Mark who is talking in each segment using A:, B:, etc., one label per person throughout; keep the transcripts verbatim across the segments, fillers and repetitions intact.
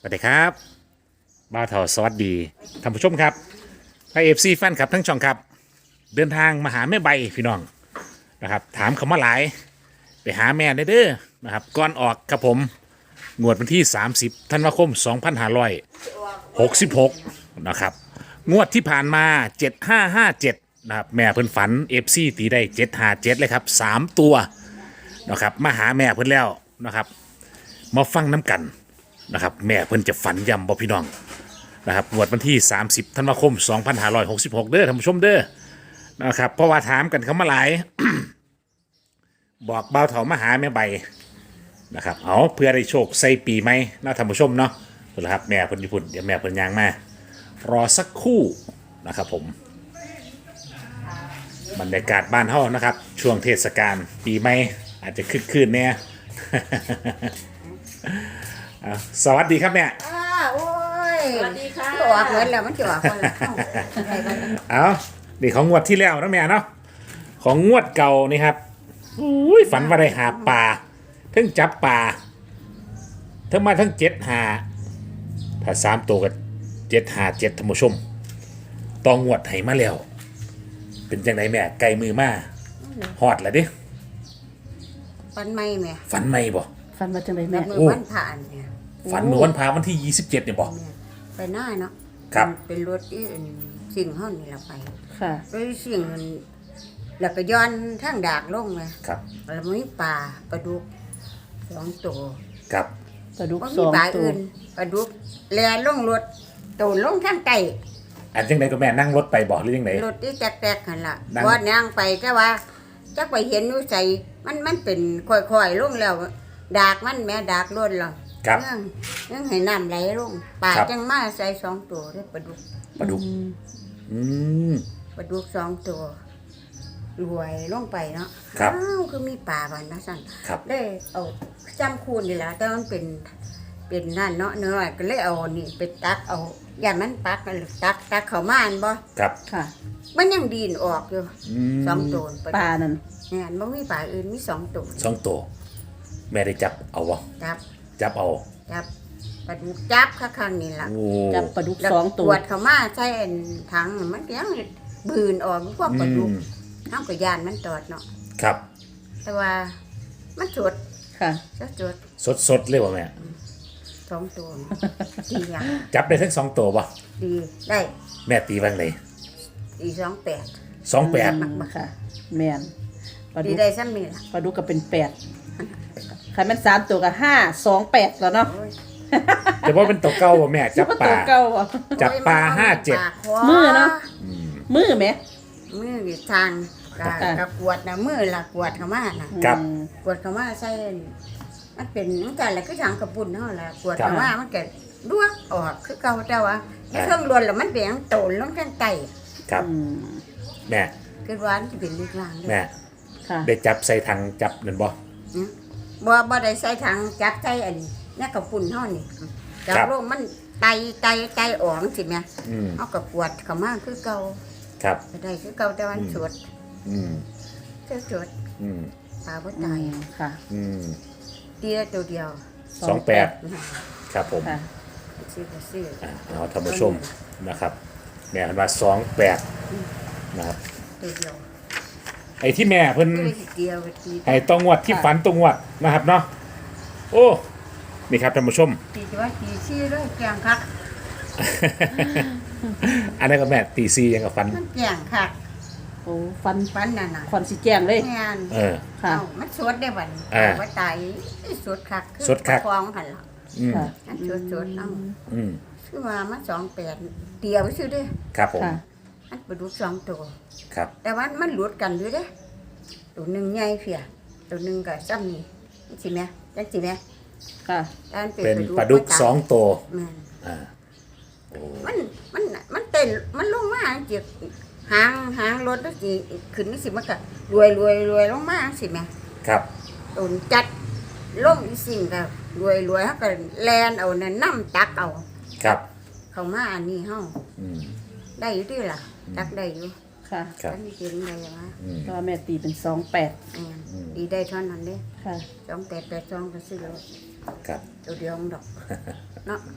A: สวัสดีครับบ้าวเถาสวัสดีท่านผู้ชมครับไอเอฟซีแฟนครับทั้งช่องครับเดินทางมาหาแม่ใบพี่น้องนะครับถามเขามาหลายไปหาแม่ได้เด้อนะครับก่อนออกครับผมงวดวันที่สามสิบธันวาคมสองพันห้าร้อยหกสิบหกนะครับงวดที่ผ่านมาเจ็ดห้าห้าเจ็ดนะครับแม่เพิ่นฝันเอฟซีตีได้เจ็ดห้าเจ็ดเลยครับสามตัวนะครับมาหาแม่เพิ่นแล้วนะครับมาฟังน้ำกันนะครับแม่เพิ่นจะฝันย้ำบ่พี่น้องนะครับงวดวันที่สามสิบธันวาคมสองพันห้าร้อยหกสิบหกเด้อท่านผู้ชมเด้อนะครับเพราะว่าถามกันเขามาหลาย บอกเบาเถามาหาแม่ใบนะครับเอาเพื่อได้โชคใส่ปีไหมนะท่านผู้ชมเนาะนะครับแม่เพิ่นญี่ปุ่นเดี๋ยวแม่เพิ่นยางมารอสักครู่นะครับผมบรรยากาศบ้านเฮานะครับช่วงเทศกาลปีใหม่อาจจะคึกคืนแน่ อ่ะสวัสดีครับเนี่ย
B: อ้าโอ้ย
C: สวัสดีค่ะ
B: ออกเหมือนแล้วมันจะออกคนละเข้าอะไรบ้าง
A: เอานี่ของงวดที่แล้วนะแม่เนาะของงวดเก่านี่ครับอุ้ยฝันว่าได้หาปลาทั้งจับปลาทั้งมาทั้งเจ็ดหาถ้าสามตัวกับเจ็ดหาเจ็ดท่านผู้ชมตองงวดให้มาแล้ว เป็นจังไดแม่ไกลมือมาฮอดแล้วดิ
B: ปันไม่แม่
A: ฝันไหมบ่
C: ฟันมาจังไร
B: แบ
C: แม่
B: บมือ
A: โอ้
B: วันผ่านเนี่ย
A: ฝันเมื่อวันพาวันที่ยี่สิบเจ็ดเนี่ยบ่
B: แม่ไปหน้าเนาะ
A: ครับ
B: เป็นรถที่สิ่งห้องนี่เราไป
C: ค่ะ
B: รถสิ่งมันแล้วก็ย้อนทางดากลงเลย
A: ครับ
B: แล้วมีปลาปลาดุกสองตัว
A: ครับ
C: ปลาดุก
B: ว่า
C: ส
B: มี
C: อง
B: ปลา
C: ตัว
B: อื่นปลาดุกแลลงรถตูนลงทางไต
A: อันจังไดก็แม่นั่งรถไปบ่หรือยังไง
B: รถที่แตกๆกันล่ะ
A: นั่ง
B: ว่าย่างไปแต่ว่าจักไปเห็นอยู่ใส่มันมันเป็นค่อยๆลงแล้ว ดากมันแม่ดากล้นหรอ
A: ครับ
B: เรื่องเรื่องให้น้ำไหลลงปลา
A: ครับ
B: จังมาใส่สองตัวได้ปลาดุก
A: ปลาดุกอืม
B: ปลาดุกสองตัวรวยลงไปเนาะ
A: ครับ
B: อ้าวคือมีปลาบ้านนะสั่น
A: ครับ
B: ได้เอาจำคูณนี่แหละแต่มันเป็นเป็นนั่นเนาะเนื้อก็เลยเอานี่ไปตักเอาอย่ามันปักนั่นตักตักเข้ามาอันบ่
A: ครับ
C: ค่ะ
B: มันยังดีนออกอยู่
A: อืม
B: สองตัว
C: ปลานั่น
B: เนี่ยมันมีปลาอื่นมีสองตัว
A: สองตัวแม่ได้จับเอาวะ
B: จับ
A: จับเอา
B: จับปลาดุกจับข้างๆนี่ล่ะ
A: โอ้
C: จับปลาดุก
B: แล้ว
C: สอง
B: ต
C: ตั
B: ร
C: ว
B: วจเข้ามาใส่อันถังมันยังบืนออกพวกปลาดุก
A: อืม
B: น้ำกับยานมันตอดเนาะ
A: ครับ
B: แต่ว่ามันสด
C: ค่ะ
B: จะสด
A: สดสดๆเลยวะแม่
B: สองตัวดีอย่าง
A: จับได้ทั้งสองตัวปะ
B: ดีได้
A: แม่ตีบ้างเลย
B: ดีสองแปด
A: สองแปด
C: อืมค่ะ แม่นปลา
B: ดี
C: ดุก
B: ได้ซ้ำนี่ล่ะ
C: ปลาดุกก็เป็นแปดใครมันสามตัวกับห้าสองแปดแล้วเนาะ
B: โอ้ย
A: จะว่าเป็นตัวเก่าวะแม่จับป
C: ตั
A: ลา
C: วเก่าอ่ะ
A: จับปลาห้าเจ็ด
B: ปลคอ
C: มือเนาะ มือไหม
B: มืออยู่ทางกะ
C: อ่ะ
B: กะกวดนะมือละกวดเข้ามาน่ะ
A: ครับ
C: อืม
B: กวดเข้ามาใส่มันเป็นมันกันแหละคือทางกระปุ่นเนาะล่ะกวดเข้ามามันก็ลวกออกคือเก่าแต่ว่าไอ้เครื่องรวนแล้วมันเบี่ยงโตนลงข้างใต้
A: ครับ
C: อืม
A: แม่
B: คือว่ามันจะเป็นลูกลางเด้
A: แม่
C: ค่ะ
A: ได้จับใส่ถังจับนั่นบ่
B: อืมบ่บ่ได้ใส่ถังจับใส่อันนี้เนี่ยกระปุ่นเฮานี่จับลงมันไตไตไตออกสิแม่
A: อืม
B: เอากับกวดเข้ามาคือเก่า
A: ครับ
B: ก็ได้คือเก่าแต่ว่ามันสด
A: อืม
B: คือสด
A: อืม
B: ปลาบ่
C: อื
B: ตาย
C: มค่ะ
A: อืม
B: ตีละตัวเดียว
A: สองแปดครับผม
C: ค่ะ
B: ซื้อก็ซื้อ
A: อ่ะเอาท่านผู้ชมนะครับแม่เพิ่นว่าสองแปดนะครับ
B: ตัวเดียว
A: ไอ้ที่แม่เพิ่น
B: ตีละเดียวก็ตี
A: ไอ้ตรงวดที่ฝันตรงวดนะครับเนาะโอ้นี่ครับท่านผู้ชม
B: ตีว่าตีซี่ด้วยแกงคัก
A: อันนั้นก็แม่ตีซียังกับฝัน
B: มันแกงคัก
C: โอ้ฟัน
B: ฟันนั่นน่ะ
C: ควันสีแจ้งเลย
B: งาน
A: เออ
C: ค่ะ
B: เอ้ามันสดได้บัด
A: อ่า
B: ว่าตายสดคักอ
A: สดคัก
B: ฟองหั่นล่ะ
A: อืม
C: ค่ะ
B: อันสดสดๆเอ้า
A: อืม
B: คือว่ามันสองแปดเดียวซื่อเด้อ
A: ครับผม
C: ค่ะ
B: อันปลาดุกสองตัว
A: ครับ
B: แต่ว่ามันหลุดกันอยู่เด้อตัวหนึงใหญ่เพียตัวหนึงก็ซ้ำนี่จังสิแม่จังสิแม่
C: ค่ะ
B: แต่มัน
A: เป็นปลาดุกสองตัว
B: แม่น
A: อ่าโอ้
B: มันมันมันเต้นมันลงมาจิกหางหางรถแล้วสิขึ้นนี่สิมันก็รวยรวยรวยลงมาสิแม่
A: ครับ
B: ตุนจัดลงอีสิ่งก็รวยรวยเฮาก็แลนเอานั่นน้ำตักเอา
A: ครับ
B: เข้ามาอันนี้เฮา
A: อืม
B: ได้อยู่ติล่ะตักได้อยู่
C: ค่ะ
A: ครับ
B: อันนี้กินได้ว่า
A: อืม
C: ก็แม่ตีเป็นสองแปด
B: แม่นดีได้เท่านั้นเด้
C: ค่ะ
B: สองแปดแปดสองก็ซื้อแล้ว
A: ครับ
B: ตัวเดียวมันดอกเนาะ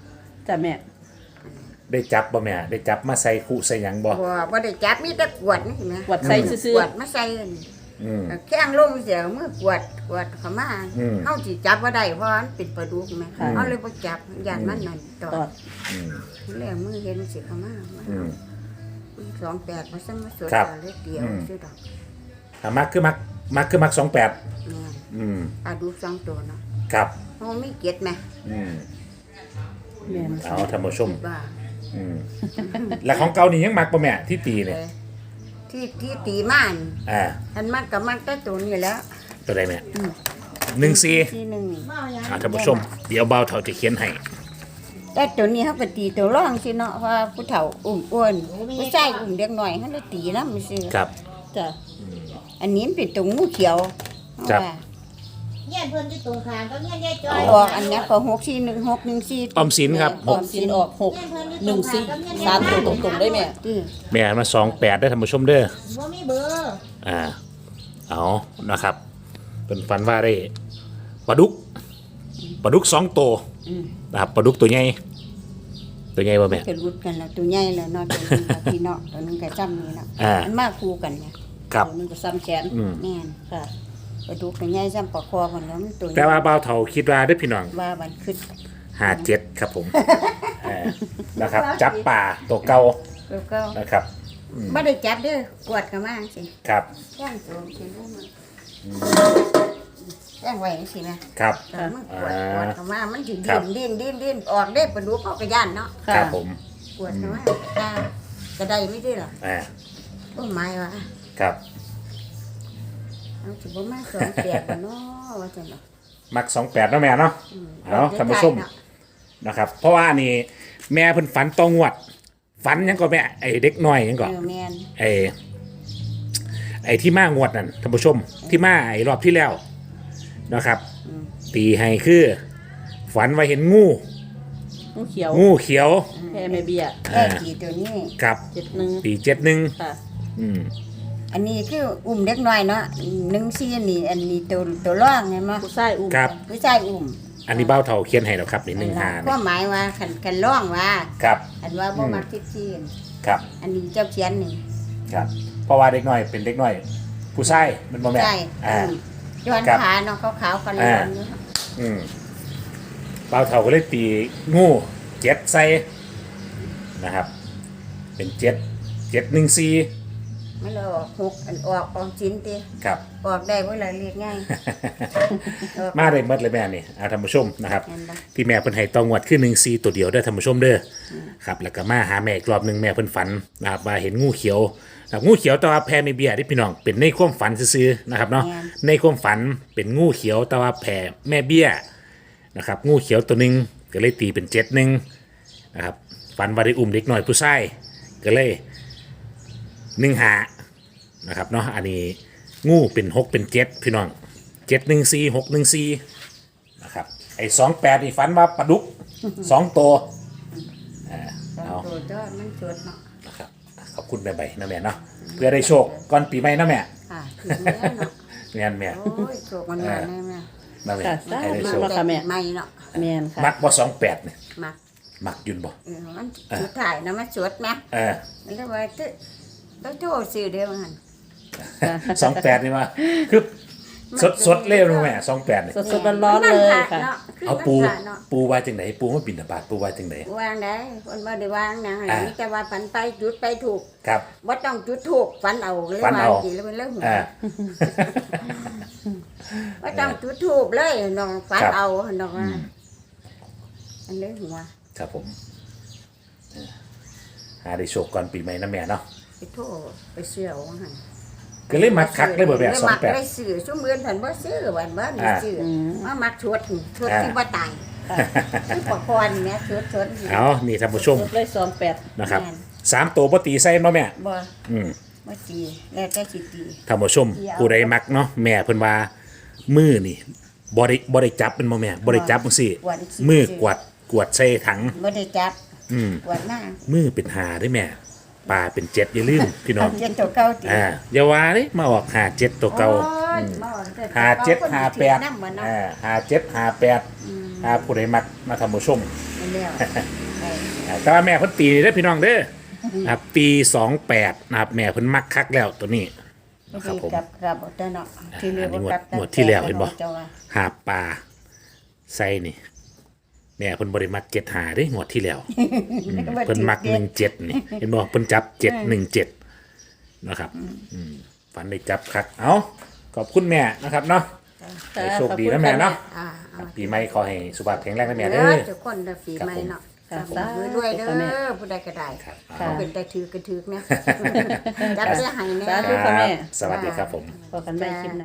C: จ้ะแม่
A: ได้จับบ่แม่ได้จับมาใส่คู่ใส่หยังบ่
B: บ่บ่ได้จับมีแต่กวดนี่เห็นไหม
C: กวดใส่ซื่อก
B: วดมาใส่
A: อืม
B: แข้งลงเสียมือกวดกวดเข้ามา
A: อืม
B: เฮาสิจับบ่ได้เพราะมันเป็นปลาดุกแม่
A: ค่ะ
B: เฮาเลยบ่จับย่านมันนั่นตอ
C: ตอ
B: ด
C: ด
A: อืม
B: แล้วมือเห็นสิเข้ามา
A: อืม
B: สองแปดมาซั่นมาสวด
A: ครับ
B: เลยเดียว
A: อืม
B: ซื่อดอก
A: ถ้ามักคือมักมักคือมักสองแปด
B: แม่น
A: อืม
B: ปลาดุกสองตัวเนาะ
A: ครับ
B: เฮามีเก็ดแม่
A: อืม
C: แม่น
A: เอาท่านผู้ชม
B: บ้า
A: อืมแล้วของเก่านี่ยังมักบ่แม่ที่ตีเนี่ย
B: ที่ที่ตีม่าน
A: อ่า
B: อันมันก็มันแต่ตัวนี้แหล้ว
A: ตัวใดแม่หนึ่งสี่
B: ที่หนึ่ง
A: อ่าท่านผู้ชม เดี๋ยวเบาเท่าจะเขียนให้
B: แต่ตัวนี้เขาก็ตีตัวร่องสิเนาะเพราะว่าผู้เฒ่าอุ้มอ้วนผู้ชายอุ้มเด็กหน่อยเขาเลยตีนะมันซื้อ
A: ครับ
C: จ้ะ
B: อันนี้มันเป็นตัวงูเขียว
A: ครับ
B: ว่า
D: เงี้ยเพิ่นที่ตรงข้ามก็เงี้ยยายจอย
B: ออกอันนี้ก็หกสี่หนึ่งหกหนึ่งสี่
A: ออมสินครับ
C: ออมสินออกหกหนึ่งสี่สามตัวตรงๆได้แม่
B: ที่
A: แม่มาสองแปดได้อท่านผู้ชมเด้อ
D: บ่มีเบอร์
A: อ่า เอานะครับ เป็นฟันว่าได้ปลาดุกปลาดุกสองตัว
B: อืม
A: นะครับปลาดุกตัวใหญ่ตัวใหญ่ป่ะแม่
B: จะรุดกันแล้วตัวใหญ่แล้วเนาะตัวนึงกับพี่เนาะตัวนึงกับซ้ำนี่เนาะ
A: อ่า
B: มันมาคู่กันเนี่ย
A: ครับ
C: ตัวหนึงก็ซ้ำแขน
A: อืม
B: แม่น
C: ค่ะ
B: ปลาดุกตัวใหญ่ซ้ำปลาคอกันแล้วมันตัวใหญ่
A: แต่ว่าเบาเท่าคิดว่าได้อพี่น้อง
B: ว่ามันขึ้น
A: ห้าเจ็ดครับผมเออนะครับ จับป่าตัวเก่า
B: แล้วก็
A: นะครับ
B: ไม่ได้จับเด้อกวดกันมาสิ
A: ครับ
B: แย่งตัวสิลูกมันแย่งไว้สินะครับ แต่มันกวดกวดเข้ามามันสิ
A: ครั
B: ดิ้
A: บ
B: นดิ้นดิ้นดิ้นออกได้ปลาดุกเขาก็ย่านเนาะ
C: ค่ะ
A: ครับผม
B: กวดเข้ามาจ้าก็ได้ไม่ได้หรอ
A: อ่า
B: โอ้ไม้ว่ะ
A: ครับ
B: เอาสิบ่มาสองแปดบ่เนาะว่าจังเนาะ
A: มักสองแปดเนาะแม่เนาะ
B: อืม
A: เอาท่านผู้ชม นะครับ เพราะว่านี่แม่เพิ่นฝันตองวด ฝันหยังก็แม่ไอเด็กน้อยหยังก็
B: เออแม่น
A: ไอไอที่มางวดนั่นท่านผู้ชมที่มาไอรอบที่แล้วนะครับ
B: อืม
A: ตีให้คือ ฝันว่าเห็นงู
C: งูเขียว
A: งูเขียว
C: แพ่แม่เบี้ย
B: แค่กี่ตัวนี้
A: กับ
C: เจ็ดหนึ่ง
A: ตีเจ็ดหนึ่ง
C: ค่ะ
A: อืม
B: อันนี้คืออุ้มเด็กน้อยเนาะหนึ่งสี่นี่อันนี้ตัวตัวร่องไงมั้ย
C: ผู้ชายอุ้ม
A: ครับ
B: ผู้ชายอุ้ม
A: อันนี้เบ้าเท่าเขียนให้แล้วครับนี่หนึ่งหา
B: ก็หมายว่าคันกันร่องว่า
A: ครับ
B: อันว่าบ่มักทิพที่
A: ครับ
B: อันนี้เจ้าเขียนนี่
A: ครับ เพราะว่าเด็กน้อยเป็นเด็กน้อย ผู้ชายมันบ่แม่น
B: ใช่
A: อ่า
B: อืมย้อน
A: ครับ
B: ขาเนาะขาวๆกันเลย
A: อ่า อืมเบ้าเท่าก็เลยตีงูเจ็ดใส่นะครับ เป็นเจ็ดเจ็ดหนึ่งสี่
B: ไม่เลยออกหกอันออกออกชิ้นติ
A: ครับ
B: ออกได้เวลาเรียกง่ายออก
A: มาได้หมดเลยแม่นี่อาท่านผู้ชมนะครับ
B: เห็นปะ
A: ที่แม่เพิ่นให้ตองวดคือหนึ่งซีตัวเดียวได้อท่านผู้ชมเด้ออครับแล้วก็มาหาแม่อีกรอบหนึงแม่เพิ่นฝันนะครับมาเห็นงูเขียวนะครับงูเขียวแต่ว่าแพรไม่เบี้ยที่พี่น้องเป็นในความฝันซื่อๆนะครับเนาะในความฝันเป็นงูเขียวแต่ว่าแพรแม่เบี้ยนะครับงูเขียวตัวหนึงก็เลยตีเป็นเจ็ดหนึ่งนะครับฝันว่าได้อุ้มเด็กหน่อยผู้ชายก็เลยหนึ่งหานะครับเนาะอันนี้งูเป็นหกเป็นเจ็ดพี่น้องเจ็ดหนึ่งสี่หกหนึ่งสี่ นะครับไอ้สองแปดนี่ฝันว่าปลาดุก สองตัวอ่า
B: สอง
A: เอา
B: ตัวเจ้ามันสดเนาะ
A: นะครับขอบคุณแม่ใบนะแม่เนาะเพื่อได้โชคก่อนปีใหม่นะแม่
B: ค่ะถึงแล้วเนาะ
A: งานแม่
B: โอ้ยโชคมันมาแน่แม่
A: นะแม่
C: ค่ะ
A: ให้ได้
C: สา
A: โช
C: ธุ
A: ค
C: ค่ะแม่
B: ไม่เนาะ
C: แม่นค่ะ
A: มักบ่สองแปดเนี่ย
B: มัก
A: มักยุนบ่
B: เออมันสุดท้ายนะมันสดแม่
A: เออ
B: มันเลยว่าตึ๊ต้องโทษซื้อเด้อมัน
A: สองแปดนี่มาคือสดสดเล่นะแม่สองแปดนี่
C: สดๆร้อนๆเลยค่ะ
A: เอาปู
B: มันผ่เนาะ
A: ปูว่าจังไหนปูมาบินบาตปูว่าจังไหน
B: วางได้คนบ่ได้วางนะ
A: อ่า
B: นี่แต่ว่าฝันไปจุดไปถูก
A: ครับ
B: บ่ต้องจุดถูกฝันเอาเลย
A: ฝัน
B: วาง
A: เอา
B: สิแล้วมันเรื่องหัว
A: อ่า
B: บ่ต้องจุดถูกเลยน้องฝัน
A: ครับ
B: เอาน้องว่าอันเรื่องหัว
A: ครับผมเออหาได้โชคก่อนปีใหม่นะแม่เนาะ
B: ไปโทษไปเชื่อว่าหั่น
A: ก็เลยมักคักเลยบ่แบบสองแปด
B: เลยมักได้ซื้อซุมื้อเพิ่นบ่ซื้อวันบ่ได้
A: อ่า
B: ซื้ออ
C: ม
B: มามักชดชด
A: อ่า
B: ที่บ่ตาย
C: ค่ะ
B: คือปกครณ์แม่ชดชด
A: เอานี่ท่านผู้ชม
C: สดเลยสองแปด
A: นะครับสามตัวปตีใส่เนาะแม่
B: บ่
A: อืม
B: บ่ตีแล้วแต่สิตี
A: ท่านผู้ชมผู้ใดมักเนาะแม่เพิ่นว่ามือนี่บ่ได้บ่ได้จับเป็นบ่แม่บ่ได้จับจังซี่
B: กวาดขี้
A: มือกวาดกวาดใส่ถัง
B: บ่ได้จับ
A: อืม
B: กวาดหน้า
A: มือเป็นหาได้แม่ปลาเป็นเจ็ดอย่าลืมพี่น้อง
B: เจ็ดตัวเก่าติ
A: อ่าอย่าว่าเด้มาออกหาเจ็ดตัวเก่า
B: โอ้ย
A: อืม
B: มาออกแต่ตัว
A: หา
B: ก่
A: เจ็ด
B: คน
A: หา
B: ที่
A: แปด
B: นำบ่เนาะ
A: อ่าหาเจ็ดหาแปดหาผู้ใดมักมาท่านผู้ชม
B: แม่แล้วได้
A: อ่าแต่ว่าแม่เพิ่นตีเด้อพี่น้องเด้อนะครับตีสองแปดนะครับแม่เพิ่นมักคักแล้วตัวนี้นะครับ
B: ที่
A: ผม
B: กลับกลับเอาแต่เนาะที่เรียก
A: อันนี้
B: ว่าง
A: วด
B: กลับ
A: งวดที่แล้วเห็นบ่
B: จ้าว่า
A: หาปลาใส่นี่ แม่เพิ่นบริมักเจ็ดหาเด้งวดที่แล้วอืมเพิ่นมักหนึ่งเจ็ดนี่เห็นบ่เพิ่นจับเจ็ดหนึ่งเจ็ดนะครับอืมฝันได้จับคักเอาขอบคุณแม่นะครับเนาะให้โชคดีนะแม่เนาะ
B: อ่าเอา
A: ปีใหม่ขอให้สุขภาพแข็งแรงนะแม่
B: เด้
A: เด้
B: อ
A: อ
B: ทุกคนเด้อฝีไม้เนาะ
C: ครับผม
B: สาธุด้วยเด้
C: ครับแม่
B: อผู้ใดก็ได้
A: ครับ
B: เขาเป็นแต่ถือกระถือเนี่ยจับเสียหายแน่
C: สาธุค่ะแม่
A: สวัสดีครับผม
C: พอกันใหม่คลิปหน้า